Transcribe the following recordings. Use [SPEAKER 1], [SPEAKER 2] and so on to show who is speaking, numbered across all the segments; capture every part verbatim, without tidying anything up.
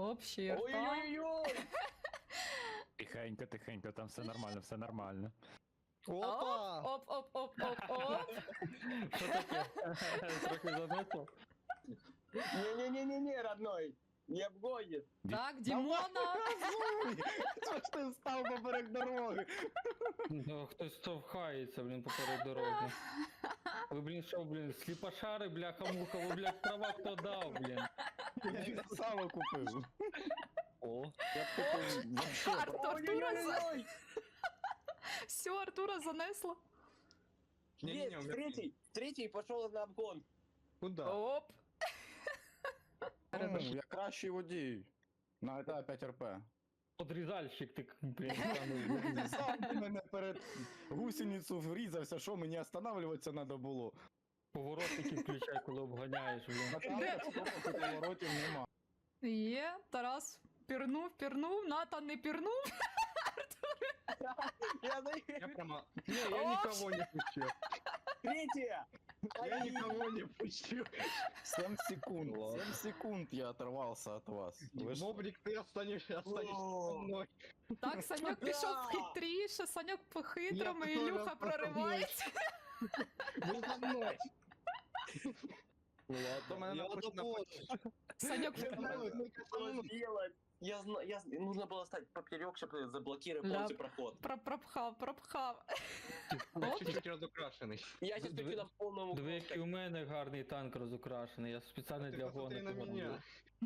[SPEAKER 1] Общий рта.
[SPEAKER 2] Ой-ой-ой!
[SPEAKER 3] Тихенько, тихенько, там все нормально, все нормально.
[SPEAKER 4] Опа!
[SPEAKER 1] Оп, оп, оп, оп, оп.
[SPEAKER 5] Що таке? Трохи занесло?
[SPEAKER 2] Не-не-не-не-не, родной! Не обгонит!
[SPEAKER 1] Так, Дімона.
[SPEAKER 4] Що ж ти став поперек дороги?
[SPEAKER 5] Ну, хтось штовхається, блін, поперед дороги. Ви, блін, що, блін, сліпошари, бляха-муха, ви, блядь, права хто дав, блін.
[SPEAKER 4] Я їх сало купив.
[SPEAKER 5] О,
[SPEAKER 4] Я б купив вообще.
[SPEAKER 1] Арт- Артура за...
[SPEAKER 2] Ой-ой-ой!
[SPEAKER 1] Все, Артура занесло.
[SPEAKER 2] Есть, третий! Третий пошел на обгон!
[SPEAKER 4] Куда?
[SPEAKER 1] Оп.
[SPEAKER 4] Ну, я кращий водій. На етапі п'ять ар пе.
[SPEAKER 5] подрізальщик ти, блін, станув.
[SPEAKER 4] Сам ти мене перед гусеницю врізався, що мені останавливатися треба було.
[SPEAKER 5] Поворотники включай, коли обганяєш, блін.
[SPEAKER 4] На там поворотів нема.
[SPEAKER 1] Є, Тарас пірнув, пірнув, Натан не пірнув.
[SPEAKER 2] Я за...
[SPEAKER 4] Я прямо... Не, я никого не пущу.
[SPEAKER 2] Третья!
[SPEAKER 4] Я никого не пущу. семь секунд, семь секунд я оторвался от вас. Вы ж-
[SPEAKER 6] Бобрик, ты останешься, останешься со мной.
[SPEAKER 1] Так, Саньок пішов хитріше, Саньок по-хитрому,
[SPEAKER 6] Я
[SPEAKER 1] Ілюха
[SPEAKER 6] готова
[SPEAKER 1] проривається.
[SPEAKER 6] Вы за мной.
[SPEAKER 4] То мене
[SPEAKER 6] Я
[SPEAKER 4] напиш-
[SPEAKER 6] допоможу.
[SPEAKER 1] Саньок
[SPEAKER 2] Я знаю, что сделать! Я знаю, я... зн- нужно было стать поперек, чтобы заблокировать
[SPEAKER 1] Ля.
[SPEAKER 2] полностью проход.
[SPEAKER 1] про- пропхав, пропхав.
[SPEAKER 6] Я чуть-чуть разукрашенный.
[SPEAKER 2] Я сейчас
[SPEAKER 5] Диви-
[SPEAKER 2] хочу на полному...
[SPEAKER 5] Диви, який у мене гарний танк розукрашений, я спеціально
[SPEAKER 6] Ты
[SPEAKER 5] для
[SPEAKER 6] посмотри на
[SPEAKER 5] гонок.
[SPEAKER 6] меня.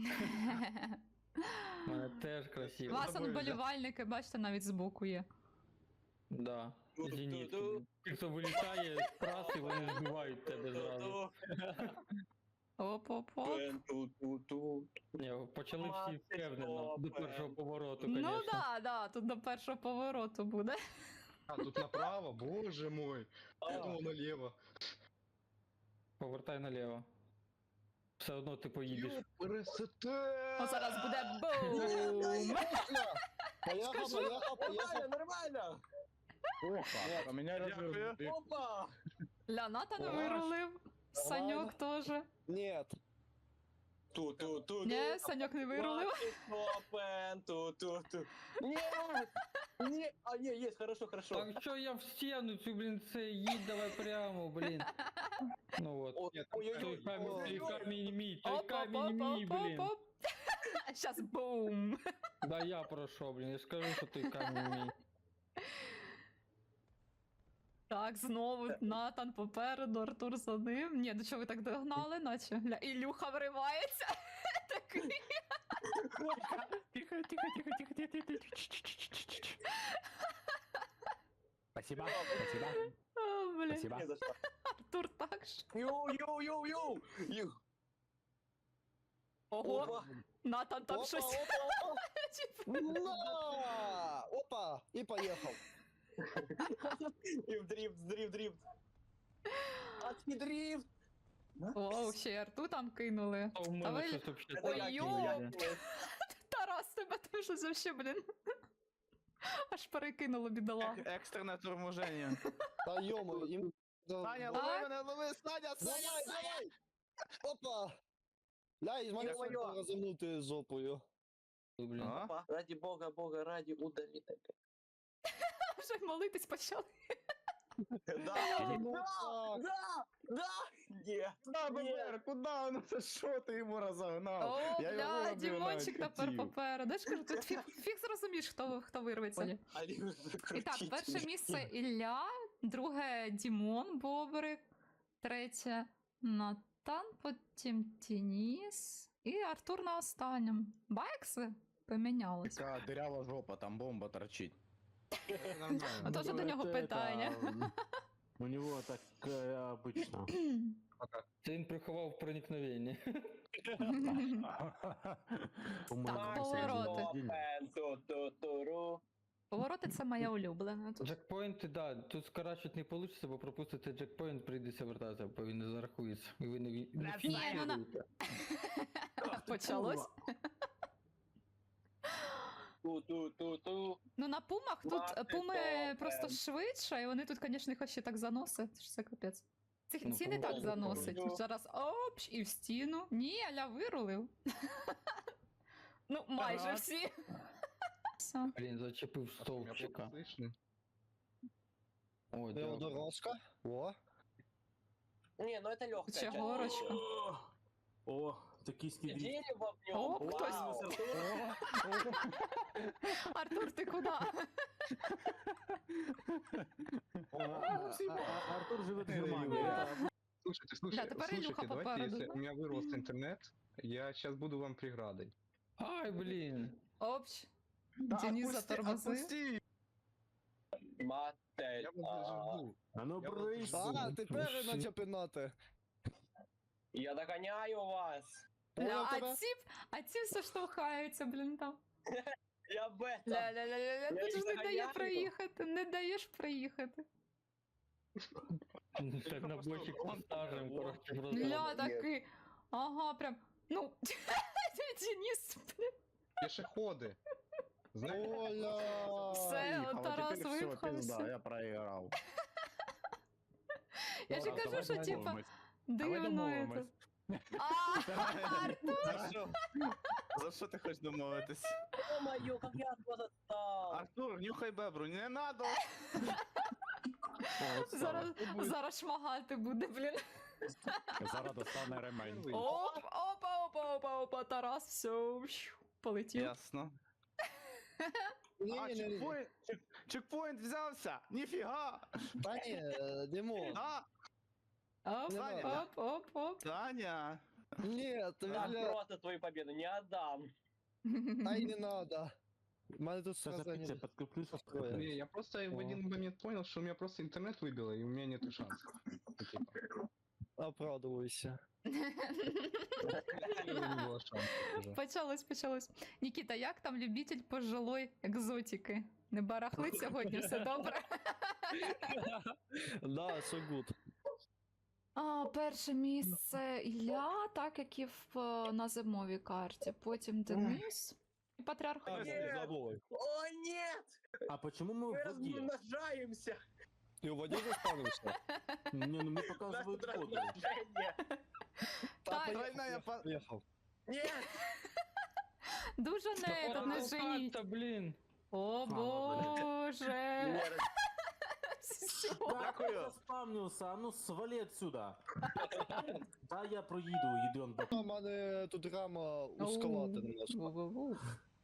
[SPEAKER 5] У мене теж красиво.
[SPEAKER 1] Вас он болівальники, бачите, навіть збоку є.
[SPEAKER 5] Да, зенітки.
[SPEAKER 2] Ту-ту-ту.
[SPEAKER 5] Ті, хто вилітає з траси, вони збивають тебе зразу.
[SPEAKER 1] Оп-оп-оп.
[SPEAKER 2] Ту-ту-ту-ту.
[SPEAKER 5] Ні, почали всі
[SPEAKER 2] Мати
[SPEAKER 5] впевнено, до
[SPEAKER 2] стопе.
[SPEAKER 5] першого повороту,
[SPEAKER 1] Ну
[SPEAKER 5] конечно.
[SPEAKER 1] да, да, тут до першого повороту буде.
[SPEAKER 6] А, тут направо, боже мой. Я
[SPEAKER 2] А.
[SPEAKER 6] думал налево.
[SPEAKER 5] Повертай наліво. Все одно ти поїдеш.
[SPEAKER 6] Красота!
[SPEAKER 1] О, зараз буде бум.
[SPEAKER 4] Поехал, поехал, поехал.
[SPEAKER 2] Нормально, нормально!
[SPEAKER 4] Опа, а меня развернул.
[SPEAKER 2] Опа!
[SPEAKER 1] Ля, Натан
[SPEAKER 4] Клас.
[SPEAKER 1] вирулив. Саньок теж.
[SPEAKER 4] Нет.
[SPEAKER 2] Ту-ту-ту-ту.
[SPEAKER 1] Ні, Саньок не вирулив.
[SPEAKER 2] Опен, ту-ту-ту. Нет! Не, а, не, есть, хорошо, хорошо.
[SPEAKER 5] Так що я в стіну цю, блін, це їдь давай прямо, блін. Ну от.
[SPEAKER 2] О,
[SPEAKER 6] Нет, там
[SPEAKER 2] ой-ой-ой.
[SPEAKER 5] Той камінь, той
[SPEAKER 2] Ой-ой-ой.
[SPEAKER 5] камінь мій, той камінь мій, блін.
[SPEAKER 1] Оп-оп-оп-оп-оп. Щас бум.
[SPEAKER 5] Да я пройшов, блін, я ж кажу, що той камінь мій.
[SPEAKER 1] Так, знову Натан попереду, Артур за ним. Ні, до чого ви так догнали, наче? Ля, Ілюха вривається. Такий.
[SPEAKER 3] Тихо, тихо, тихо, тихо, тихо, тихо, тихо. Спасибо, спасибо,
[SPEAKER 1] О, блін.
[SPEAKER 3] спасибо.
[SPEAKER 2] Не за что.
[SPEAKER 1] Артур так ж.
[SPEAKER 2] Йоу-йоу-йоу-йоу! Ю.
[SPEAKER 1] Ого,
[SPEAKER 2] Опа.
[SPEAKER 1] Натан там
[SPEAKER 4] Опа,
[SPEAKER 1] щось.
[SPEAKER 4] опа, опа. На! Опа, и поехал.
[SPEAKER 2] И в дрифт, дрифт, дрифт. Адский дрифт!
[SPEAKER 1] О, ще й Арту там кинули.
[SPEAKER 5] А в
[SPEAKER 1] Та
[SPEAKER 5] мене
[SPEAKER 1] ви-
[SPEAKER 5] щось вообще
[SPEAKER 2] Это
[SPEAKER 1] Ой,
[SPEAKER 2] я
[SPEAKER 1] йо.
[SPEAKER 2] кинул, я
[SPEAKER 5] Ой,
[SPEAKER 2] кинул.
[SPEAKER 1] Тарас, тебе теж вообще, блін. Аж перекинуло бідолагу.
[SPEAKER 4] Экстренное торможение.
[SPEAKER 7] Та йому, їм...
[SPEAKER 4] Саня,
[SPEAKER 1] Так.
[SPEAKER 4] лови мене, лови, Саня,
[SPEAKER 7] Давай,
[SPEAKER 4] Саня!
[SPEAKER 7] давай! Опа! Ля, із мене
[SPEAKER 2] Ё-моё.
[SPEAKER 7] фото розумнути жопою.
[SPEAKER 5] блін.
[SPEAKER 4] А?
[SPEAKER 2] Опа, ради бога, бога, ради удали.
[SPEAKER 1] Вже молитись почали.
[SPEAKER 2] Да,
[SPEAKER 7] Ну
[SPEAKER 2] да,
[SPEAKER 7] так.
[SPEAKER 2] да, да, нет,
[SPEAKER 4] Куда,
[SPEAKER 2] нет.
[SPEAKER 4] ББР, куда? Ну це що ти йому розогнав?
[SPEAKER 1] О,
[SPEAKER 4] Я його
[SPEAKER 1] бля,
[SPEAKER 4] обігнати
[SPEAKER 1] Дімончик тепер
[SPEAKER 4] хотів.
[SPEAKER 1] попереду. Я ж кажу, тут фіг, фіг зрозумієш, хто, хто вирветься.
[SPEAKER 2] Они
[SPEAKER 1] І так,
[SPEAKER 2] закрутили.
[SPEAKER 1] перше місце Ілля, друге Дімон Бобрик, третє Натан, потім Тініс і Артур на останньому. Байкси помінялись.
[SPEAKER 4] Така дирява жопа, там бомба торчить.
[SPEAKER 1] А то вже до нього питання.
[SPEAKER 8] У него так э, обычно.
[SPEAKER 5] Це він приховав проникновення.
[SPEAKER 1] Так, повороти.
[SPEAKER 2] Опен, ту-ту-туру.
[SPEAKER 1] Повороти це моя улюблена. Тут
[SPEAKER 5] Джекпоінти, да, тут скорачувати не вийде, бо пропустити джекпоінт, прийдеться вертатися, бо він не зарахується. І ви не, ві- не
[SPEAKER 1] Ні, ну на-
[SPEAKER 5] фіксуєте.
[SPEAKER 1] почалось.
[SPEAKER 2] Ту-ту-ту-ту.
[SPEAKER 1] Ну на пумах тут
[SPEAKER 2] Мати
[SPEAKER 1] пуми
[SPEAKER 2] добре.
[SPEAKER 1] просто швидше, і вони тут, звісно, їх ще так заносять, що це капець. Ці,
[SPEAKER 5] Ну,
[SPEAKER 1] ці не так
[SPEAKER 5] пуми
[SPEAKER 1] заносить.
[SPEAKER 2] добре.
[SPEAKER 1] Зараз опш і в стіну. Ні, Аля вирулив. Ну, майже
[SPEAKER 3] Ага.
[SPEAKER 1] всі. Все.
[SPEAKER 5] Блін, зачепив
[SPEAKER 6] Меня
[SPEAKER 5] стовпчика.
[SPEAKER 6] плохо слышно.
[SPEAKER 5] О, дякую.
[SPEAKER 7] Белодорожка. О.
[SPEAKER 2] Не, ну это легкая
[SPEAKER 1] Че, горочка?
[SPEAKER 8] О, О, токийский дрифт.
[SPEAKER 2] Дерево в нем.
[SPEAKER 1] О, хтось.
[SPEAKER 2] Вау.
[SPEAKER 1] Артур, ти куди?
[SPEAKER 8] А, а, а, Артур живет в Германии.
[SPEAKER 6] Да.
[SPEAKER 8] это
[SPEAKER 6] Слушайте, слушайте,
[SPEAKER 1] теперь Илюха
[SPEAKER 6] слушайте, давайте,
[SPEAKER 1] попереду,
[SPEAKER 6] если
[SPEAKER 1] да?
[SPEAKER 6] у меня вырос интернет, я сейчас буду вам преградой.
[SPEAKER 5] Ай, блін.
[SPEAKER 1] Опч. Денис затормозив.
[SPEAKER 2] Матель.
[SPEAKER 6] Я вас зажгу.
[SPEAKER 8] А ну
[SPEAKER 6] Я вот
[SPEAKER 8] брысь.
[SPEAKER 7] А, тепер наче пинати.
[SPEAKER 2] Я догоняю вас.
[SPEAKER 1] Ля,
[SPEAKER 7] Понял
[SPEAKER 1] а
[SPEAKER 7] тебе?
[SPEAKER 1] ці, а ці все штовхаються, блін, там.
[SPEAKER 2] Я в этом.
[SPEAKER 1] Ля-ля-ля-ля,
[SPEAKER 2] Я
[SPEAKER 1] тут ж
[SPEAKER 2] їх
[SPEAKER 1] не дає
[SPEAKER 2] доганяю.
[SPEAKER 1] проїхати, не даєш проїхати.
[SPEAKER 5] Так на бочик поставимо, коротше, в
[SPEAKER 1] Ля,
[SPEAKER 5] розряд.
[SPEAKER 1] такий. Ага, прям. Ну, Денис, блін.
[SPEAKER 6] Пешеходы. Знаете,
[SPEAKER 7] Оля!
[SPEAKER 1] Все,
[SPEAKER 4] Поїхав,
[SPEAKER 1] от
[SPEAKER 4] а
[SPEAKER 1] Тарас
[SPEAKER 4] тепер всё,
[SPEAKER 1] випхався.
[SPEAKER 4] пизда, я проіграв.
[SPEAKER 1] Я ж
[SPEAKER 3] Ладно,
[SPEAKER 1] кажу,
[SPEAKER 3] давай
[SPEAKER 1] що типа
[SPEAKER 3] домовимось. Давай
[SPEAKER 1] дивно
[SPEAKER 3] домовимось.
[SPEAKER 1] это. А, Артур!
[SPEAKER 4] За що? За що ти хочеш домовитись?
[SPEAKER 2] Ё-моё, как я от вас отстал.
[SPEAKER 4] Артур, нюхай бебру, не надо!
[SPEAKER 8] О, вот
[SPEAKER 1] Зараз,
[SPEAKER 8] стало.
[SPEAKER 1] зараз шмагати буде, блін.
[SPEAKER 3] Зараз достане ремень.
[SPEAKER 6] Ой.
[SPEAKER 1] Оп, опа, опа, опа, опа, Тарас, все, полетів.
[SPEAKER 4] Ясно. А,
[SPEAKER 7] Ні, ні, ні.
[SPEAKER 4] чекпоінт, чек- чекпоінт взявся! Ніфіга!
[SPEAKER 7] Та ні, е, Димон.
[SPEAKER 4] А,
[SPEAKER 1] Оп,
[SPEAKER 4] Саня.
[SPEAKER 1] оп, оп, оп.
[SPEAKER 4] Таня!
[SPEAKER 7] Ні, тобі,
[SPEAKER 2] Я
[SPEAKER 7] бля,
[SPEAKER 2] просто твою победу не отдам.
[SPEAKER 7] та й не надо. У мене тут
[SPEAKER 8] Сейчас
[SPEAKER 7] сразу
[SPEAKER 8] опять
[SPEAKER 7] не...
[SPEAKER 8] подкреплюсь.
[SPEAKER 7] Ой.
[SPEAKER 6] не, я просто в
[SPEAKER 7] О.
[SPEAKER 6] один момент понял, что у меня просто интернет выбило, и у меня нету шансов. Ну, типа,
[SPEAKER 7] Оправдывайся.
[SPEAKER 6] у меня не было шансов уже.
[SPEAKER 1] Почалось, почалось. Нікіта, як там любитель пожилої екзотики? Не барахлить сьогодні, все добре?
[SPEAKER 7] Да, so good.
[SPEAKER 1] А, перше місце Ілля, так як і в, е, на зимовій карті. Потім Денис і Патріарх.
[SPEAKER 2] Нет.
[SPEAKER 7] Забой.
[SPEAKER 2] О, нет!
[SPEAKER 8] А почему мы
[SPEAKER 2] Мы
[SPEAKER 8] в воде?
[SPEAKER 2] размножаемся.
[SPEAKER 7] Ти у воді заспавнився?
[SPEAKER 8] Не, ну мне
[SPEAKER 2] У нас
[SPEAKER 8] показывают
[SPEAKER 2] тут
[SPEAKER 8] воду.
[SPEAKER 2] размножение.
[SPEAKER 1] Так.
[SPEAKER 4] Тройная по...
[SPEAKER 7] Поїхав.
[SPEAKER 2] Нет!
[SPEAKER 1] Дуже не, тут не женіть.
[SPEAKER 5] Та, блін.
[SPEAKER 1] О
[SPEAKER 8] Мама,
[SPEAKER 1] боже.
[SPEAKER 2] Нет.
[SPEAKER 1] Всё.
[SPEAKER 8] Да, я заспавнился, а ну свали отсюда. Да, я проеду, идем.
[SPEAKER 7] У мене тут рама узковата немножко.
[SPEAKER 1] Ву-ву-ву.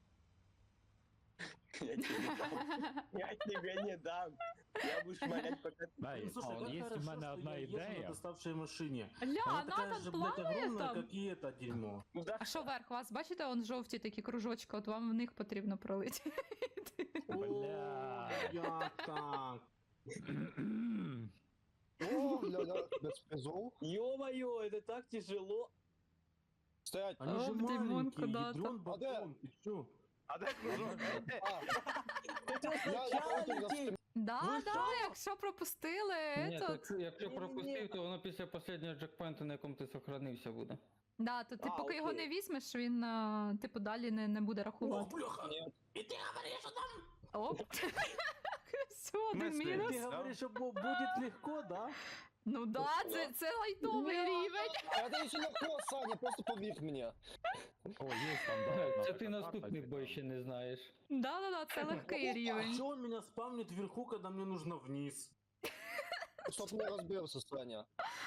[SPEAKER 2] Я тебе не дам. Я тебе не дам. Я буду шмалять пока...
[SPEAKER 3] Дай,
[SPEAKER 8] Ну, слушай,
[SPEAKER 3] а,
[SPEAKER 8] как
[SPEAKER 3] є в
[SPEAKER 8] хорошо,
[SPEAKER 3] мене
[SPEAKER 8] что
[SPEAKER 3] одна
[SPEAKER 8] я езжу на
[SPEAKER 3] ідея.
[SPEAKER 8] доставшей машине.
[SPEAKER 1] Ля,
[SPEAKER 8] Она такая
[SPEAKER 1] Натан
[SPEAKER 8] же, блядь,
[SPEAKER 1] плаває
[SPEAKER 8] огромная,
[SPEAKER 1] там.
[SPEAKER 8] как и это дерьмо.
[SPEAKER 2] Да,
[SPEAKER 1] А що верх вас? Бачите, он жовті такі кружочки, от вам в них потрібно пролити.
[SPEAKER 3] Бля.
[SPEAKER 8] О, я так.
[SPEAKER 7] О, бля, без призов.
[SPEAKER 2] ё-моё, это так тяжело.
[SPEAKER 7] Стоять.
[SPEAKER 8] Они же
[SPEAKER 1] Оп, Димон
[SPEAKER 8] маленькие,
[SPEAKER 1] куда-то.
[SPEAKER 8] ядрён
[SPEAKER 7] А де?
[SPEAKER 8] батон, ты чё?
[SPEAKER 4] А де кружок?
[SPEAKER 7] А,
[SPEAKER 2] Ты
[SPEAKER 7] я, я
[SPEAKER 2] сначала
[SPEAKER 7] потім
[SPEAKER 2] лети.
[SPEAKER 7] за
[SPEAKER 1] Да,
[SPEAKER 2] Ви
[SPEAKER 1] да,
[SPEAKER 2] що?
[SPEAKER 1] якщо пропустили,
[SPEAKER 5] Ні,
[SPEAKER 1] то...
[SPEAKER 5] якщо, якщо
[SPEAKER 2] Ні-ні-ні.
[SPEAKER 5] пропустив, то воно після останнього джекпоінту, на якому ти сохранився, буде.
[SPEAKER 1] Да, то ти
[SPEAKER 2] А,
[SPEAKER 1] поки його
[SPEAKER 2] окей.
[SPEAKER 1] не візьмеш, він, а, типу, далі не, не буде
[SPEAKER 8] О,
[SPEAKER 1] рахувати.
[SPEAKER 8] бляха! И ты говоришь, что там...
[SPEAKER 1] Оп. Все, один
[SPEAKER 4] Ми
[SPEAKER 1] мінус.
[SPEAKER 8] Ты
[SPEAKER 4] Да.
[SPEAKER 8] говоришь, что бу- будет легко, да?
[SPEAKER 1] Ну да, це, це лайтовий рівень.
[SPEAKER 7] А ти ще легко, Саня, просто повір мені.
[SPEAKER 3] О, є там, да.
[SPEAKER 5] Це
[SPEAKER 3] одна
[SPEAKER 5] ти
[SPEAKER 3] така
[SPEAKER 5] наступний
[SPEAKER 3] карта,
[SPEAKER 5] бой ще не знаєш.
[SPEAKER 1] Да, да, да, це легкий
[SPEAKER 8] А
[SPEAKER 1] рівень.
[SPEAKER 8] что он меня спавнит вверху, когда мне нужно вниз?
[SPEAKER 7] Щоб не розбився, Саня.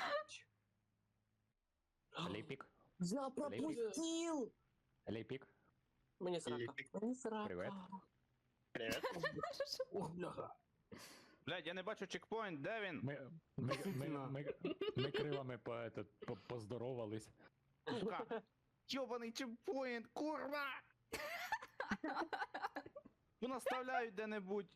[SPEAKER 3] Ліпік,
[SPEAKER 2] Я пропустил!
[SPEAKER 3] ліпік.
[SPEAKER 2] Мне срака. Мне срака.
[SPEAKER 3] Привет.
[SPEAKER 2] Привет.
[SPEAKER 8] Ох, бляха.
[SPEAKER 4] Блядь, я не бачу чекпоінт, де він?
[SPEAKER 3] Ми, ми, ми, ми, ми кривами по, этот, по, поздоровались.
[SPEAKER 4] Сука! Йобаний чекпоінт, курва! Ну наставляють де-небудь.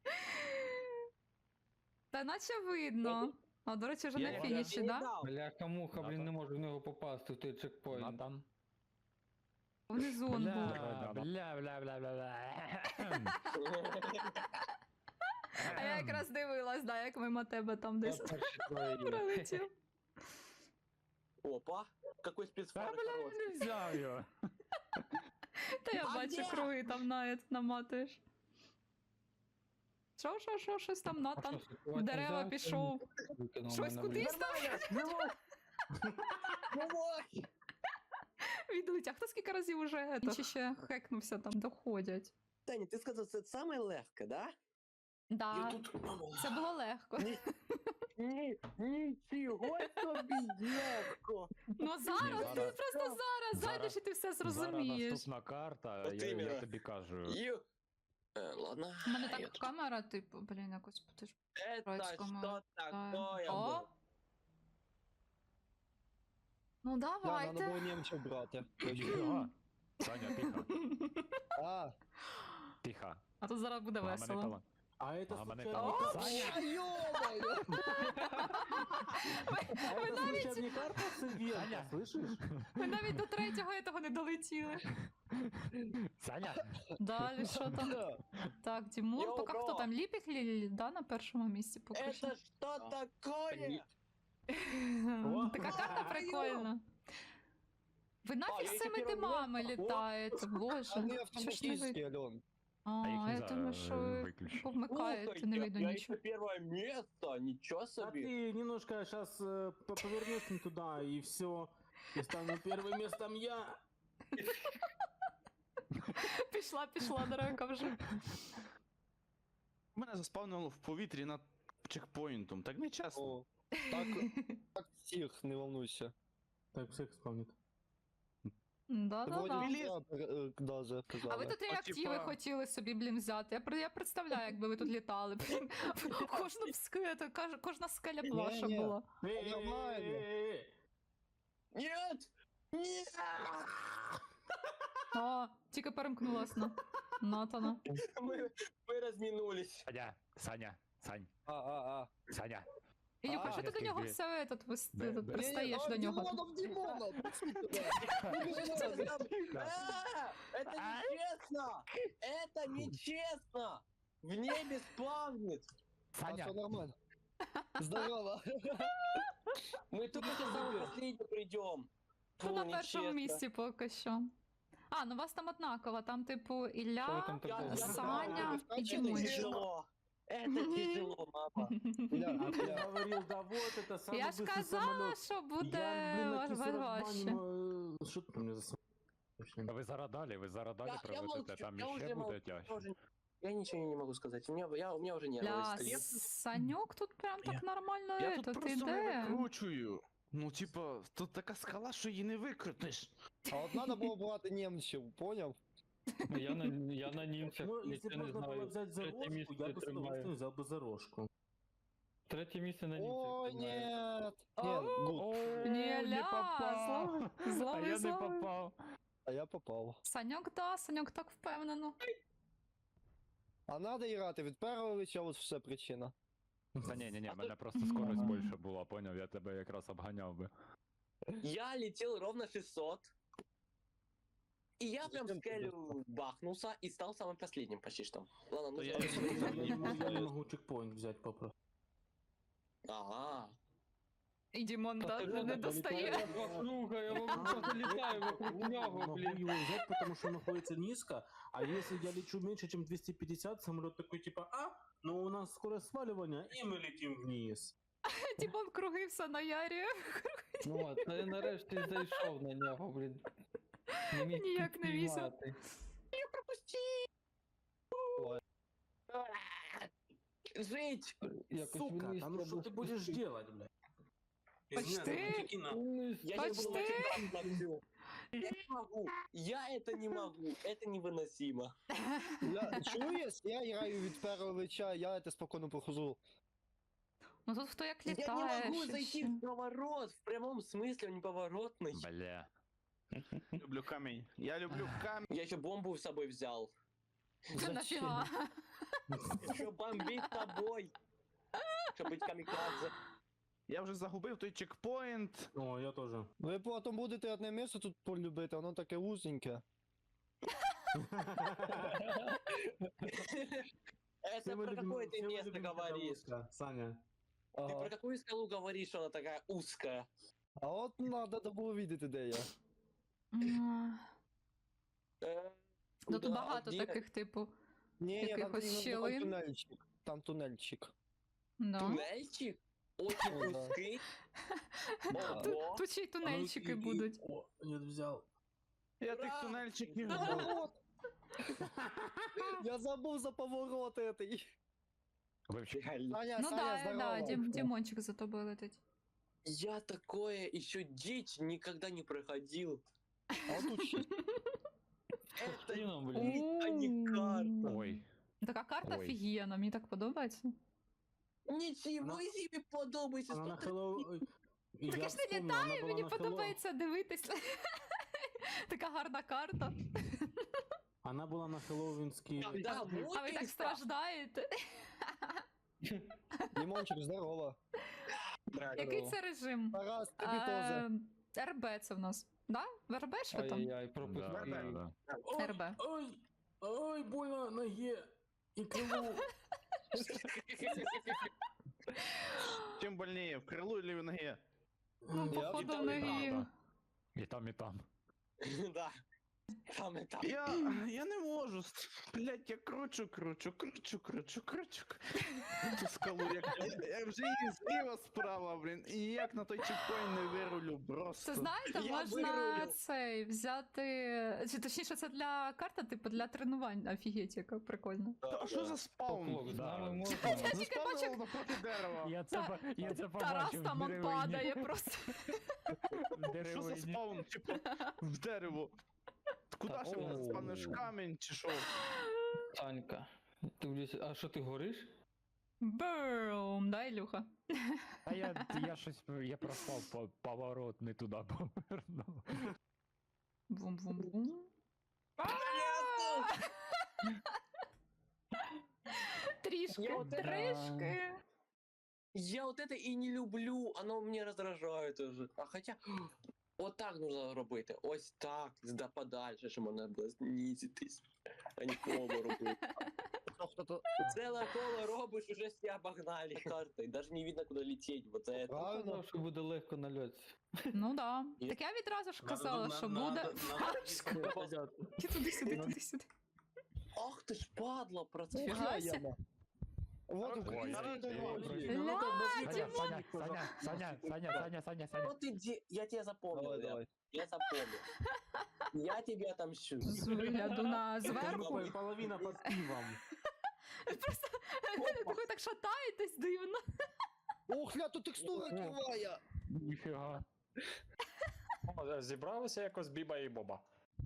[SPEAKER 1] Та наче видно. А, до речі, вже
[SPEAKER 3] Я-
[SPEAKER 1] на
[SPEAKER 3] я-
[SPEAKER 1] фініші,
[SPEAKER 2] не
[SPEAKER 1] да?
[SPEAKER 2] дал.
[SPEAKER 5] Бляха муха,
[SPEAKER 3] Да,
[SPEAKER 5] блін,
[SPEAKER 3] да.
[SPEAKER 5] не можу в нього попасти в той чекпоінт.
[SPEAKER 3] Натан.
[SPEAKER 1] Внизу он був.
[SPEAKER 3] Бля, бля, бля, бля, бля, бля.
[SPEAKER 1] А я якраз дивилась, да, як мимо тебе там
[SPEAKER 5] Я
[SPEAKER 1] десь
[SPEAKER 5] перші троє є.
[SPEAKER 1] пролетів.
[SPEAKER 2] Опа. Какой
[SPEAKER 3] Та,
[SPEAKER 2] спецфар
[SPEAKER 3] бля,
[SPEAKER 2] хороший.
[SPEAKER 3] не взяв його.
[SPEAKER 1] Та я
[SPEAKER 2] А
[SPEAKER 1] бачу,
[SPEAKER 2] де?
[SPEAKER 1] круги там навіть наматуєш. Що, що, що, щось там
[SPEAKER 5] А
[SPEAKER 1] Натан
[SPEAKER 5] що,
[SPEAKER 1] в
[SPEAKER 5] слідкувати
[SPEAKER 1] дерева
[SPEAKER 5] не
[SPEAKER 1] пішов.
[SPEAKER 5] взяв? Викинув
[SPEAKER 1] Щось
[SPEAKER 5] мене, блін.
[SPEAKER 1] кудись там.
[SPEAKER 2] Давай!
[SPEAKER 1] Відлетя. Хто скільки разів уже чи ще хекнувся там, доходять.
[SPEAKER 2] Таня, ти сказав, це саме легке, да?
[SPEAKER 1] Да,
[SPEAKER 2] тут...
[SPEAKER 1] це було легко.
[SPEAKER 2] Ні, ні, нічого собі легко.
[SPEAKER 1] Ну зараз, ти
[SPEAKER 3] зараз-
[SPEAKER 1] просто зараз
[SPEAKER 3] зараз-
[SPEAKER 1] зайдеш і ти все
[SPEAKER 3] Зараз
[SPEAKER 1] зрозумієш.
[SPEAKER 3] наступна карта,
[SPEAKER 2] От
[SPEAKER 3] я, я
[SPEAKER 2] іменно.
[SPEAKER 3] тобі кажу.
[SPEAKER 2] Ю. Е, ладно.
[SPEAKER 1] У мене
[SPEAKER 2] я
[SPEAKER 1] так
[SPEAKER 2] тут-
[SPEAKER 1] камера, типу, блін, якось ти ж.
[SPEAKER 2] Это
[SPEAKER 1] Троицкому,
[SPEAKER 2] что такое
[SPEAKER 1] О!
[SPEAKER 2] было?
[SPEAKER 1] Ну
[SPEAKER 7] Да, надо
[SPEAKER 1] давайте.
[SPEAKER 7] було німців брати.
[SPEAKER 3] Ніфіга. Саня, тихо,
[SPEAKER 7] А,
[SPEAKER 3] тихо.
[SPEAKER 1] А тут зараз буде
[SPEAKER 3] Гаманець
[SPEAKER 1] весело.
[SPEAKER 3] тала-
[SPEAKER 8] А это
[SPEAKER 3] Гаманець
[SPEAKER 8] случайно...
[SPEAKER 3] тала-
[SPEAKER 1] О!
[SPEAKER 3] Саня!
[SPEAKER 7] ё-моё!
[SPEAKER 8] А
[SPEAKER 1] Ви
[SPEAKER 8] это
[SPEAKER 1] навіть,
[SPEAKER 8] случайно не карта Севенко,
[SPEAKER 3] Саня.
[SPEAKER 8] слышишь?
[SPEAKER 1] ви навіть до третього этого не долетіли.
[SPEAKER 3] Саня!
[SPEAKER 1] Далі, що там? Так, Дімон,
[SPEAKER 2] Йоу,
[SPEAKER 1] поки
[SPEAKER 2] бро.
[SPEAKER 1] хто там? Ліпік Лілі, да, на першому місці поки що.
[SPEAKER 2] Это что такое?
[SPEAKER 8] О.
[SPEAKER 1] Така карта прикольна. Ви
[SPEAKER 2] А,
[SPEAKER 1] нафіг
[SPEAKER 2] я
[SPEAKER 1] з
[SPEAKER 2] їх
[SPEAKER 1] цими
[SPEAKER 2] тепер
[SPEAKER 1] димами
[SPEAKER 2] вмію.
[SPEAKER 1] літаєте, боже.
[SPEAKER 7] Вони
[SPEAKER 1] Що ж не
[SPEAKER 7] автоматичні,
[SPEAKER 1] видно?
[SPEAKER 7] Альон.
[SPEAKER 1] А,
[SPEAKER 3] А їх
[SPEAKER 1] я
[SPEAKER 3] нельзя
[SPEAKER 1] думаю, що ви
[SPEAKER 3] виключити.
[SPEAKER 1] повмикаєте, не
[SPEAKER 2] я,
[SPEAKER 1] видно
[SPEAKER 2] я
[SPEAKER 1] нічого.
[SPEAKER 2] еще первое место, ничего
[SPEAKER 8] А
[SPEAKER 2] себе.
[SPEAKER 8] ты немножко сейчас повернешь не туда, и все. И стану первым местом я.
[SPEAKER 1] Пішла, пішла дорога вже.
[SPEAKER 4] Мене заспавнило в повітрі над чекпоінтом, так не чесно.
[SPEAKER 7] О, так, так всіх, не волнуйся.
[SPEAKER 8] Так, всех вспомнит.
[SPEAKER 1] Да-да-да.
[SPEAKER 7] Вроді я, е, даже
[SPEAKER 1] А ви
[SPEAKER 7] казали.
[SPEAKER 1] тут реактиви
[SPEAKER 4] типа-
[SPEAKER 1] хотіли собі, блін, взяти. Я, при- я представляю, якби ви тут літали. Блін, кожну скелю, кожна скеля б ваша
[SPEAKER 7] Ні-ні.
[SPEAKER 1] була.
[SPEAKER 7] Нормально.
[SPEAKER 2] Нет! Нет!
[SPEAKER 1] А, тільки перемкнулась на Натана.
[SPEAKER 2] Мы, мы разминулись.
[SPEAKER 3] Саня, Саня, Сань,
[SPEAKER 7] А, а, а.
[SPEAKER 3] Саня.
[SPEAKER 1] Ілюха,
[SPEAKER 7] А,
[SPEAKER 1] що ти до
[SPEAKER 3] я
[SPEAKER 1] нього
[SPEAKER 3] скажу,
[SPEAKER 1] все этот, вис-
[SPEAKER 3] бе-
[SPEAKER 1] тут
[SPEAKER 3] бе-
[SPEAKER 1] пристаєш
[SPEAKER 7] Ні,
[SPEAKER 1] до
[SPEAKER 7] а,
[SPEAKER 1] нього?
[SPEAKER 7] Дімонов, Дімонов, пусти туди.
[SPEAKER 2] А, это нечестно! Это нечестно! В небе спавнит!
[SPEAKER 7] А
[SPEAKER 3] Саня,
[SPEAKER 7] все нормально. Здорово.
[SPEAKER 2] Мы только самый последний придем.
[SPEAKER 1] Хто на першому місці поки що? А, ну вас там однаково, там типу
[SPEAKER 5] Що ви
[SPEAKER 1] Ілля,
[SPEAKER 5] там
[SPEAKER 2] Я,
[SPEAKER 5] такого?
[SPEAKER 2] я
[SPEAKER 1] Саня
[SPEAKER 7] знаю,
[SPEAKER 1] і
[SPEAKER 7] это
[SPEAKER 2] Это
[SPEAKER 1] Дімончик.
[SPEAKER 2] тяжело. Это тяжело, мама.
[SPEAKER 7] Ля,
[SPEAKER 8] А ты
[SPEAKER 7] ля.
[SPEAKER 8] говорил, да вот это самый
[SPEAKER 1] Я ж
[SPEAKER 8] быстрый
[SPEAKER 1] казала,
[SPEAKER 8] самолет.
[SPEAKER 1] що
[SPEAKER 8] Я,
[SPEAKER 1] буде
[SPEAKER 8] блин, на
[SPEAKER 1] ваш-
[SPEAKER 8] кисельном
[SPEAKER 1] важче.
[SPEAKER 8] бане, э, Что ты мне за самолет?
[SPEAKER 3] ви зараз далі, ви зараз далі
[SPEAKER 2] Я- я
[SPEAKER 3] проведете,
[SPEAKER 2] молчу,
[SPEAKER 3] там
[SPEAKER 2] я
[SPEAKER 3] іще
[SPEAKER 2] уже
[SPEAKER 3] буде
[SPEAKER 2] молчу,
[SPEAKER 3] тяжче.
[SPEAKER 2] Я, уже- я ничего не могу сказать. У меня, я, у меня уже нервы
[SPEAKER 1] Бля,
[SPEAKER 2] стоят.
[SPEAKER 1] Санюк тут прям так нормально
[SPEAKER 4] Я тут
[SPEAKER 1] этот
[SPEAKER 4] просто не
[SPEAKER 1] іде.
[SPEAKER 4] викручую. Ну, типа, тут така скала, що її не викрутиш.
[SPEAKER 7] А от треба було брати німців, поняв?
[SPEAKER 5] Я на, я на німцях,
[SPEAKER 8] Ну, если
[SPEAKER 5] нічого
[SPEAKER 8] бы
[SPEAKER 5] не
[SPEAKER 8] можно было
[SPEAKER 5] знаю.
[SPEAKER 8] взять
[SPEAKER 5] Третє
[SPEAKER 8] зарожку,
[SPEAKER 5] місце
[SPEAKER 8] я бы с
[SPEAKER 5] тримаю.
[SPEAKER 8] удовольствием взял бы зарожку.
[SPEAKER 5] Третє місце на німцях.
[SPEAKER 7] Ой,
[SPEAKER 5] тримаю.
[SPEAKER 7] нет. Ні, гуд.
[SPEAKER 3] О,
[SPEAKER 1] Ні,
[SPEAKER 3] не
[SPEAKER 1] ля,
[SPEAKER 3] попав.
[SPEAKER 1] зловив,
[SPEAKER 3] А
[SPEAKER 1] зловив,
[SPEAKER 3] я не
[SPEAKER 1] зловив.
[SPEAKER 3] попав.
[SPEAKER 7] А я попав.
[SPEAKER 1] Саньок, да, Саньок так впевнено.
[SPEAKER 7] А надо грати від першого лиця, от все причина.
[SPEAKER 3] Та ні, ні, ні, в мене просто скорость більше була, поняв, я тебе якраз обганяв би.
[SPEAKER 2] Я летел ровно шестьсот. И я прям в
[SPEAKER 7] Зачем ты
[SPEAKER 2] скелю бахнулся и стал самым последним почти что. Ладно, ну
[SPEAKER 4] Да я
[SPEAKER 2] я...
[SPEAKER 8] Я, я не могу, я не могу чекпоинт взять попросту.
[SPEAKER 2] Ага.
[SPEAKER 1] І Дімон да,
[SPEAKER 5] Та ти
[SPEAKER 1] не
[SPEAKER 5] ж
[SPEAKER 1] достає.
[SPEAKER 5] Вокруг, я просто літаю вокруг нього,
[SPEAKER 8] Могу
[SPEAKER 5] блін.
[SPEAKER 8] его взять, потому что он находится низко, а если я лечу меньше, чем двести пятьдесят, самолет такой типа, а, ну у нас скорость сваливания, и мы летим вниз.
[SPEAKER 1] Дімон круги все наярює.
[SPEAKER 5] Ну, от, та я нарешті зайшов на нього, блін. Не міг
[SPEAKER 1] Ніяк не вісив.
[SPEAKER 5] підпіймати.
[SPEAKER 2] Жить!
[SPEAKER 5] Якось
[SPEAKER 8] Сука,
[SPEAKER 5] вниз
[SPEAKER 8] да ну что
[SPEAKER 5] треба
[SPEAKER 8] ты будешь
[SPEAKER 5] спустити.
[SPEAKER 8] делать, блядь?
[SPEAKER 1] Почти.
[SPEAKER 5] Вниз.
[SPEAKER 2] Я
[SPEAKER 1] Почти.
[SPEAKER 2] сейчас буду Я не могу. Я это не могу. Это невыносимо.
[SPEAKER 7] Я, чуєш, я граю від першого лиця, я це спокійно прохожу.
[SPEAKER 1] Ну тут хто як
[SPEAKER 2] Я не
[SPEAKER 1] літає.
[SPEAKER 2] могу
[SPEAKER 1] ще
[SPEAKER 2] зайти
[SPEAKER 1] ще.
[SPEAKER 2] в поворот. В прямом смысле, он неповоротный.
[SPEAKER 3] Бля.
[SPEAKER 4] Люблю камінь. Я люблю камінь.
[SPEAKER 2] Я еще бомбу с собой взял.
[SPEAKER 1] Це нафіга.
[SPEAKER 2] Еще бомбить тобой. Чтобы быть камикадзе.
[SPEAKER 4] Я вже загубив той чекпоінт.
[SPEAKER 8] О, я тоже.
[SPEAKER 7] Ви потім будете одне місце тут полюбити, воно таке вузеньке.
[SPEAKER 2] Это
[SPEAKER 8] Все мы
[SPEAKER 2] про
[SPEAKER 8] любим-
[SPEAKER 2] какое ты
[SPEAKER 8] все мы
[SPEAKER 2] место
[SPEAKER 8] любим, когда
[SPEAKER 2] говоришь?
[SPEAKER 8] узко, Саня.
[SPEAKER 2] Ты
[SPEAKER 7] Ага.
[SPEAKER 2] про какую скалу говоришь, что она такая узкая?
[SPEAKER 7] А от треба було видіти, де я.
[SPEAKER 1] М,
[SPEAKER 2] Э,
[SPEAKER 1] Ну тут
[SPEAKER 2] куда?
[SPEAKER 1] багато
[SPEAKER 2] Где?
[SPEAKER 1] таких, типу.
[SPEAKER 7] Ні, ні, там
[SPEAKER 1] Якихось
[SPEAKER 7] іменно
[SPEAKER 1] щілин.
[SPEAKER 7] тунельчик. Там тунельчик.
[SPEAKER 1] Да.
[SPEAKER 2] Туннельчик? Очень
[SPEAKER 7] Ну да.
[SPEAKER 2] узкий.
[SPEAKER 1] Тут,
[SPEAKER 2] Ого.
[SPEAKER 1] тут ще й тунельчики
[SPEAKER 8] А ну, и-
[SPEAKER 1] будуть.
[SPEAKER 8] О, нет, взял.
[SPEAKER 4] Я тих тунельчиків.
[SPEAKER 7] Поворот! Я забув за поворот этой.
[SPEAKER 3] Вообще,
[SPEAKER 7] Саня,
[SPEAKER 1] Ну
[SPEAKER 7] Саня,
[SPEAKER 1] да,
[SPEAKER 7] здорово.
[SPEAKER 1] да, Дім, Дімончик за тобою летить.
[SPEAKER 2] Я такое еще дичь никогда не проходил.
[SPEAKER 7] А тут ще.
[SPEAKER 2] Это
[SPEAKER 5] Блин, блин.
[SPEAKER 2] а не карта.
[SPEAKER 3] ой.
[SPEAKER 1] Така карта
[SPEAKER 3] Ой.
[SPEAKER 1] офігенна, мені так подобається.
[SPEAKER 2] Ничего
[SPEAKER 8] Она-
[SPEAKER 2] себе подобається.
[SPEAKER 8] Она на
[SPEAKER 2] сто
[SPEAKER 8] Хэллоу... Я
[SPEAKER 1] Так я ж не
[SPEAKER 8] вспомнил, она
[SPEAKER 1] літаю,
[SPEAKER 8] была
[SPEAKER 1] мені
[SPEAKER 8] на Хэллоу-
[SPEAKER 1] подобається дивитись. Така гарна карта.
[SPEAKER 8] Она была на хэллоуинский...
[SPEAKER 2] Да,
[SPEAKER 1] А ви так
[SPEAKER 2] мутинка.
[SPEAKER 1] страждаєте.
[SPEAKER 7] Дімончик, здорово.
[SPEAKER 1] Який це режим?
[SPEAKER 7] Тарас, тобі теж.
[SPEAKER 1] Е, РБ це в нас. Да? В РБ ж ви там?
[SPEAKER 5] Ай-яй-яй,
[SPEAKER 3] Да,
[SPEAKER 5] пропустил.
[SPEAKER 3] да, да.
[SPEAKER 8] Ой,
[SPEAKER 1] РБ.
[SPEAKER 8] Ой, ой, больно ноге и крылу.
[SPEAKER 4] Чим больніше, в крилу или в ноге?
[SPEAKER 1] Ну,
[SPEAKER 7] Я
[SPEAKER 1] походу,
[SPEAKER 2] вітаю,
[SPEAKER 1] в неї.
[SPEAKER 3] Да. І там, і там.
[SPEAKER 2] Да. Там и там.
[SPEAKER 4] Я, я не можу. Блять, я кручу, кручу, кручу, кручу, кручу. Цю скалу, як, я, я вже її зліва справа, блін. І ніяк на той чекпоінт не вирулю, просто.
[SPEAKER 1] Це знаєте,
[SPEAKER 2] Я
[SPEAKER 1] можна
[SPEAKER 2] вирулю.
[SPEAKER 1] цей взяти. Чи точніше, це для карта, типу для тренувань. Офігеть, яка прикольна.
[SPEAKER 4] А що за спаун?
[SPEAKER 5] Поплок, з
[SPEAKER 3] Да.
[SPEAKER 5] нами можна.
[SPEAKER 4] Заспавнило напроти дерева.
[SPEAKER 3] Я це, по- я це
[SPEAKER 1] Тарас
[SPEAKER 3] побачив
[SPEAKER 1] там
[SPEAKER 3] в
[SPEAKER 1] он
[SPEAKER 3] деревині.
[SPEAKER 1] падає просто.
[SPEAKER 3] В
[SPEAKER 4] Що за
[SPEAKER 3] деревині.
[SPEAKER 4] спаун? Типу, в дерево. Куди
[SPEAKER 5] Та,
[SPEAKER 4] ще воно
[SPEAKER 5] о.
[SPEAKER 4] спавниш? Камінь чи що?
[SPEAKER 5] Санька. Ти, блядь, а що ти гориш?
[SPEAKER 1] Бум, да, Ілюха?
[SPEAKER 3] А я, я щось, я проспав по- поворот, не туди повернув.
[SPEAKER 1] Бум-бум-бум. Трішки,
[SPEAKER 2] Я от-
[SPEAKER 1] трішки.
[SPEAKER 2] Я вот это и не люблю, оно мне раздражает уже. А хотя, вот так нужно робити. Ось так, да подальше, щоб можна було знизитись. А не коло робити.
[SPEAKER 7] Хто-то...
[SPEAKER 2] Целое коло робиш, уже все обогнали картой. Даже не видно, куда лететь. Вот это.
[SPEAKER 7] Правильно.
[SPEAKER 5] Казав, що буде легко на льоті.
[SPEAKER 1] Ну да. Так я відразу ж казала, що буде. Ти туди-сюди, туди-сюди.
[SPEAKER 2] Ах ты ж падла, процесс.
[SPEAKER 1] Фіга
[SPEAKER 7] Ой,
[SPEAKER 1] себе.
[SPEAKER 7] яма. Вот
[SPEAKER 3] Ой,
[SPEAKER 7] Україна
[SPEAKER 3] ой,
[SPEAKER 7] дорога.
[SPEAKER 3] ой, ой.
[SPEAKER 1] Ля,
[SPEAKER 3] Саня,
[SPEAKER 1] Дімон!
[SPEAKER 3] Саня, Саня, Саня, Саня, Саня, Саня, Саня.
[SPEAKER 2] Вот иди, я тебя запомнил,
[SPEAKER 7] Давай,
[SPEAKER 2] Лев.
[SPEAKER 7] давай.
[SPEAKER 2] Я запомнил. Я тебе отомщу.
[SPEAKER 1] З вигляду на зверху.
[SPEAKER 8] Пол- Половина под пивом.
[SPEAKER 1] Просто ви так шатаєтесь дивно.
[SPEAKER 7] Ох, ля, тут текстура кривая.
[SPEAKER 3] Ніфіга.
[SPEAKER 9] О, зібралися якось Біба і Боба.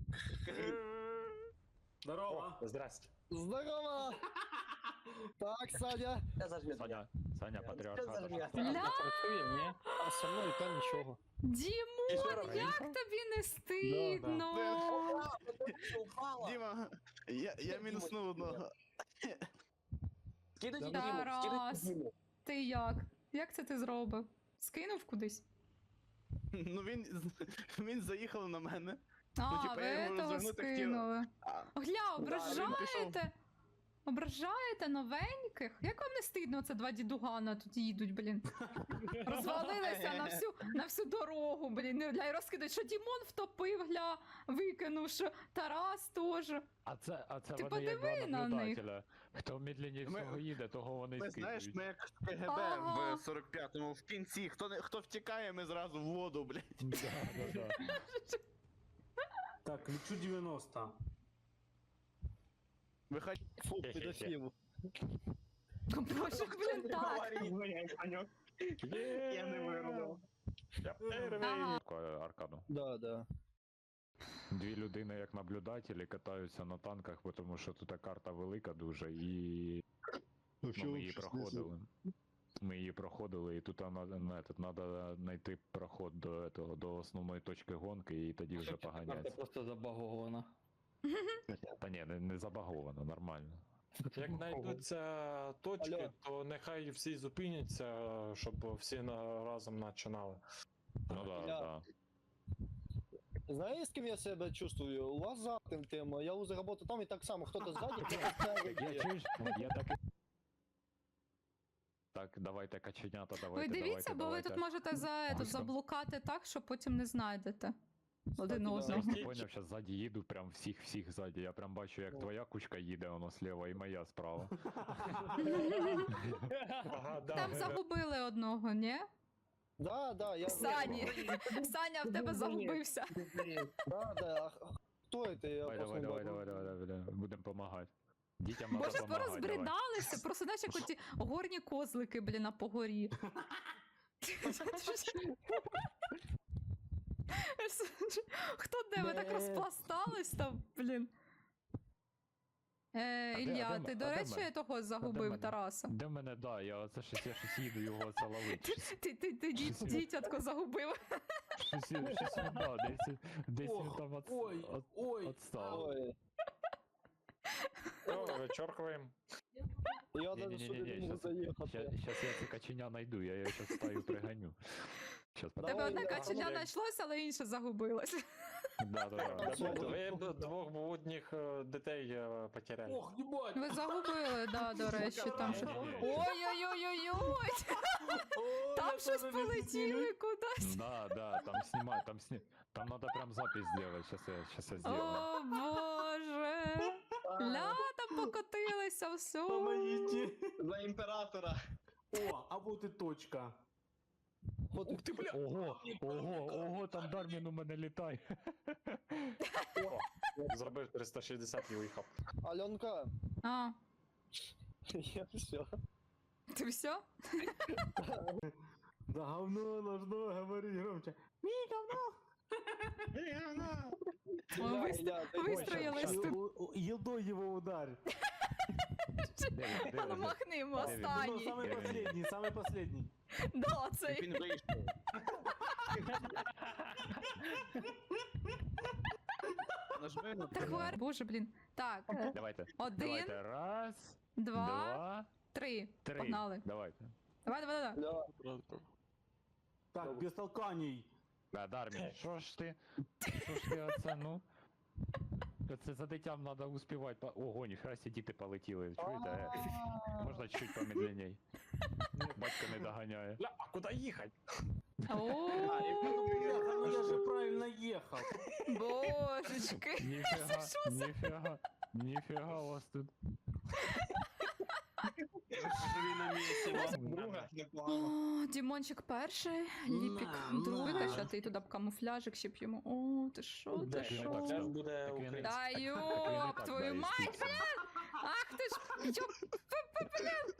[SPEAKER 8] Здорово.
[SPEAKER 9] О, здрасте.
[SPEAKER 7] Здорово. Так, Саня.
[SPEAKER 2] Я зажмет.
[SPEAKER 3] Саня, Саня,
[SPEAKER 2] Что
[SPEAKER 3] патріархат.
[SPEAKER 2] зажмет?
[SPEAKER 1] Ля,
[SPEAKER 5] Працює, ні?
[SPEAKER 7] А со мною та нічого.
[SPEAKER 1] Дімон, як тобі не стидно?
[SPEAKER 2] Упала.
[SPEAKER 4] Діма, я, я мінуснув одного.
[SPEAKER 2] Скидайте
[SPEAKER 1] Тарас.
[SPEAKER 2] Диму, скидайте Диму.
[SPEAKER 1] Ти як? Як це ти зробив? Скинув кудись?
[SPEAKER 4] Ну він, він заїхав на мене.
[SPEAKER 1] А,
[SPEAKER 4] типа,
[SPEAKER 1] ви
[SPEAKER 4] я його
[SPEAKER 1] того
[SPEAKER 4] розвернути хотів.
[SPEAKER 1] скинули.
[SPEAKER 4] А,
[SPEAKER 1] Гля,
[SPEAKER 4] він пішов.
[SPEAKER 1] ображаєте? Ображаєте новеньких? Як вам не стидно, це два дідугана тут їдуть, блін. Розвалилися на всю, на всю дорогу, блін. Ну, Гля, і розкидають, що Дімон втопив, гля, викинув, що Тарас теж.
[SPEAKER 3] А це, а це
[SPEAKER 1] Ти
[SPEAKER 3] вони як
[SPEAKER 1] подиви
[SPEAKER 3] два
[SPEAKER 1] на них.
[SPEAKER 3] наблюдателя. Хто медленніше
[SPEAKER 4] Ми-
[SPEAKER 3] всього їде, того вони
[SPEAKER 4] Ми знаєш,
[SPEAKER 3] скидують.
[SPEAKER 4] ми як в КГБ
[SPEAKER 1] Ага.
[SPEAKER 4] в сорок п'ятому в кінці. Хто, не, хто втікає, ми зразу в воду, блядь.
[SPEAKER 3] Да, да, да.
[SPEAKER 8] Так, лечу девяносто.
[SPEAKER 4] Виходь.
[SPEAKER 7] Фу, педофил.
[SPEAKER 1] Боже, блін, так.
[SPEAKER 4] Я не вирвав.
[SPEAKER 1] Ага.
[SPEAKER 3] Таку аркаду.
[SPEAKER 7] Да, да.
[SPEAKER 3] Дві людини як наблюдателі катаються на танках, бо тому що тут карта велика дуже і ну, ми її проходили. Ми її проходили, і тут треба знайти проход до, этого, до основної точки гонки, і тоді вже
[SPEAKER 5] Карта
[SPEAKER 3] поганяться.
[SPEAKER 5] просто забагована.
[SPEAKER 3] Та ні, не, не забаговано, нормально.
[SPEAKER 9] Як знайдуться точки,
[SPEAKER 7] Алло.
[SPEAKER 9] то нехай всі зупиняться, щоб всі на- разом починали.
[SPEAKER 3] Ну да,
[SPEAKER 7] Я-
[SPEAKER 3] да.
[SPEAKER 7] Знаєш, з ким я себе чувствую? У вас за тим тим. Я уже работаю там і так само, хто-то ззаді, хто-то спереді.
[SPEAKER 3] Я чуєш, я так і... Так, давайте каченята, давайте,
[SPEAKER 1] Ви дивіться,
[SPEAKER 3] давайте,
[SPEAKER 1] бо ви
[SPEAKER 3] давайте.
[SPEAKER 1] тут можете за, тут,
[SPEAKER 3] Гуськом.
[SPEAKER 1] заблукати так, що потім не знайдете один
[SPEAKER 7] да.
[SPEAKER 1] одного.
[SPEAKER 3] Я поняв, що ззаді їду, прям всіх-всіх ззаді. Я прям бачу, як твоя кучка їде, воно слева, і моя справа.
[SPEAKER 9] Ага, да,
[SPEAKER 1] Там
[SPEAKER 9] ви-
[SPEAKER 1] загубили одного, ні?
[SPEAKER 7] Да, да, я...
[SPEAKER 1] Сані. Саня в тебе загубився.
[SPEAKER 7] Да, да. Кто это? Я
[SPEAKER 3] Давай,
[SPEAKER 7] просто
[SPEAKER 3] давай,
[SPEAKER 7] не
[SPEAKER 3] давай,
[SPEAKER 7] могу.
[SPEAKER 3] давай, давай, давай, давай. Будемо допомагати. Дітям надо
[SPEAKER 1] Боже,
[SPEAKER 3] допомагати.
[SPEAKER 1] порозбридалися, просто знаєш, як оті горні козлики, блін, на погорі. Хто де ви так розпластались там, блін? Е,
[SPEAKER 3] А де-
[SPEAKER 1] Ілля,
[SPEAKER 3] а де
[SPEAKER 1] ти,
[SPEAKER 3] м-
[SPEAKER 1] до
[SPEAKER 3] а де
[SPEAKER 1] речі,
[SPEAKER 3] мене?
[SPEAKER 1] того загубив
[SPEAKER 3] мене?
[SPEAKER 1] Тараса.
[SPEAKER 3] Де в мене, да, я оце щось, я щось їду його це ловити.
[SPEAKER 1] Ти, ти, ти дід-
[SPEAKER 3] Щось-
[SPEAKER 1] дітятко загубив.
[SPEAKER 3] Щось, щось він, да, десь, десь він
[SPEAKER 8] Ох,
[SPEAKER 3] там от,
[SPEAKER 8] ой,
[SPEAKER 3] от,
[SPEAKER 8] ой.
[SPEAKER 3] отстав.
[SPEAKER 7] Ой,
[SPEAKER 9] Все, вичеркуємо.
[SPEAKER 7] я даже сюда не
[SPEAKER 3] Не-не-не,
[SPEAKER 7] могу заехать.
[SPEAKER 3] сейчас я це каченя найду, я його зараз стаю приганю. Щас,
[SPEAKER 1] Тебе
[SPEAKER 7] Давай,
[SPEAKER 1] одне
[SPEAKER 7] я-
[SPEAKER 1] каченя
[SPEAKER 9] я-
[SPEAKER 1] знайшлося, але інше загубилось.
[SPEAKER 3] Да, да, да.
[SPEAKER 7] Все,
[SPEAKER 9] Ви б двох блудних е, дітей е, потеряли.
[SPEAKER 8] Ох, ебать!
[SPEAKER 1] Ви загубили, да, до речі, там що.
[SPEAKER 3] Ні-ні-ні.
[SPEAKER 1] Ой-ой-ой-ой-ой!
[SPEAKER 8] О,
[SPEAKER 1] Там
[SPEAKER 8] я
[SPEAKER 1] щось
[SPEAKER 8] тоже
[SPEAKER 1] полетіли кудись.
[SPEAKER 3] Да, да, там снимай, там сни... Там надо прям запись сделать, сейчас я, сейчас я сделаю.
[SPEAKER 1] О, Боже! Ля, там покотилися, все.
[SPEAKER 8] Помогите!
[SPEAKER 6] За імператора.
[SPEAKER 8] О, а вот и точка.
[SPEAKER 7] Вот
[SPEAKER 8] Ух ты, бля!
[SPEAKER 3] Ого, ого, ого, там Дармін у мене літає.
[SPEAKER 9] Зробив триста шістдесят і уїхав.
[SPEAKER 7] Аленка,
[SPEAKER 1] А,
[SPEAKER 7] я все.
[SPEAKER 1] ти все?
[SPEAKER 8] Да говно должно говорить громче. Ми говно!
[SPEAKER 1] Ми вис- Вистроїлись тут.
[SPEAKER 8] Ел- ел- Елдой его ударь.
[SPEAKER 3] Де він, де
[SPEAKER 1] А ну
[SPEAKER 3] він?
[SPEAKER 1] махнемо,
[SPEAKER 3] Де він?
[SPEAKER 8] Ну,
[SPEAKER 1] останній.
[SPEAKER 8] самый последний, самый последний.
[SPEAKER 1] Да, цей.
[SPEAKER 6] Він вийшов. Нажми на
[SPEAKER 1] Так, хвар- Боже, блін. Так, е,
[SPEAKER 3] Давайте,
[SPEAKER 1] один,
[SPEAKER 3] давайте, раз,
[SPEAKER 1] два,
[SPEAKER 3] два,
[SPEAKER 1] три.
[SPEAKER 3] три.
[SPEAKER 1] Погнали.
[SPEAKER 3] Давайте.
[SPEAKER 1] Давай, давай, давай.
[SPEAKER 8] Так, без толканий.
[SPEAKER 3] Да, Дармін, що ж ти, що ж ти оце, ну? Це за дитям треба успівати. по- Ого, ніхера сі діти полетіли, чуєте? Е, Можна чуть помедленней. Батько не доганяє.
[SPEAKER 9] Ля, а куди їхати?
[SPEAKER 1] О,
[SPEAKER 8] Бляха, ну я же правильно ехал.
[SPEAKER 1] божечки.
[SPEAKER 3] Ніфіга, ніфіга, ніфіга у вас тут.
[SPEAKER 6] Живі на місці. Друга, непогано.
[SPEAKER 1] О, Дімончик перший, Ліпік
[SPEAKER 8] На,
[SPEAKER 1] другий,
[SPEAKER 8] на.
[SPEAKER 1] качати туди б камуфляжик, щоб йому. О, ти що, ти
[SPEAKER 9] Де
[SPEAKER 3] ж
[SPEAKER 9] ж
[SPEAKER 3] не так
[SPEAKER 1] що?
[SPEAKER 3] став.
[SPEAKER 9] буде
[SPEAKER 3] Так він-
[SPEAKER 9] український.
[SPEAKER 1] Да
[SPEAKER 3] Так він і
[SPEAKER 1] ёб
[SPEAKER 3] так,
[SPEAKER 1] твою
[SPEAKER 3] да,
[SPEAKER 1] мать,
[SPEAKER 3] естественно.
[SPEAKER 1] блин! Ах ти ж, ёб, п- п- блин!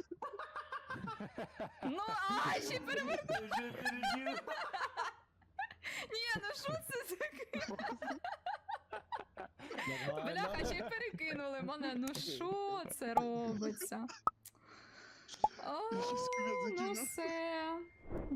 [SPEAKER 1] Ну, а, ще переверну!
[SPEAKER 8] Уже перегиб.
[SPEAKER 1] Ні, ну що це таке? Бляха, ще й перекинули мене, ну що це робиться? О, ну все.